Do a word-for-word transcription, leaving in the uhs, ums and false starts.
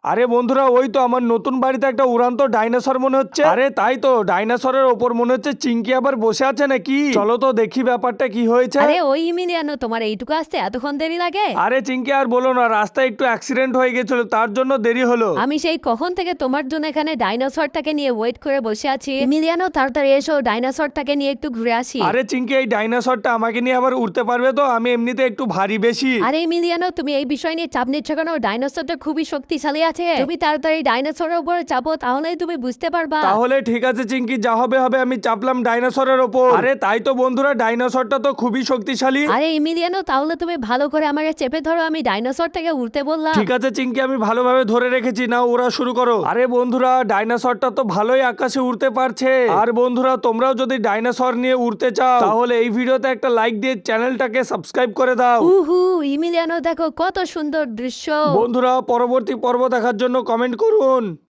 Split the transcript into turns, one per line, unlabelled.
আরে বন্ধুরা, ওই তো আমার নতুন বাড়িতে একটা উড়ান্ত ডাইনোসর মনে হচ্ছে। আরে তাই তো, ডাইনোসরের ওপর মনে হচ্ছে চিঙ্কি আবার বসে আছে নাকি। চলো তো দেখি ব্যাপারটা কি হয়েছে।
আরে ওই ইমিলিয়ানো, তোমার এইটুকু আসতে এতক্ষণ দেরি লাগে?
আরে চিঙ্কি আর বলো না, রাস্তায় একটু অ্যাক্সিডেন্ট হয়ে গেছিল, তার জন্য দেরি হলো।
আমি সেই কখন থেকে তোমার জন্য এখানে ডাইনোসরটাকে নিয়ে ওয়েট করে বসে আছি। ইমিলিয়ানো, তাড়াতাড়ি এসো, ডাইনোসরটাকে নিয়ে একটু ঘুরে আসি।
আরে চিঙ্কি, এই ডাইনোসরটা আমাকে নিয়ে আবার উড়তে পারবে তো? আমি এমনিতে একটু ভারী বেশি।
আরে ইমিলিয়ানো, তুমি এই বিষয় নিয়ে চাপ নিচ্ছ কেন? ডাইনোসরটা খুবই শক্তিশালী আছে। তুমি তাড়াতাড়ি ডাইনোসরের উপরে চাপো, তাহলেই তুমি বুঝতে পারবা।
তাহলে ঠিক আছে চিঙ্কি, যা হবে হবে, আমি চাপলাম ডাইনোসরের ওপর। আরে তাই তো বন্ধুরা, ডাইনোসরটা তো খুবই শক্তিশালী।
আরে ইমিলিয়ানো, তাহলে তুমি ভালো করে আমাকে চেপে ধরো, আমি ডাইনোসর থেকে উঠতে বললাম।
ঠিক আছে চিঙ্কি, আমি ভালোভাবে ধরে রেখেছি, না ওরা শুরু করো। আরে বন্ধুরা, ডাইনোসরটা তো ভালোই আকাশে উড়তে পারছে। আর বন্ধুরা, তোমরাও যদি ডাইনোসর নিয়ে উড়তে চাও তাহলে এই ভিডিওতে একটা লাইক দিয়ে চ্যানেলটাকে সাবস্ক্রাইব করে দাও।
উহু, ইমিলিয়ানো দেখো কত সুন্দর দৃশ্য।
বন্ধুরা, পরবর্তী পর্ব দেখার জন্য কমেন্ট করুন।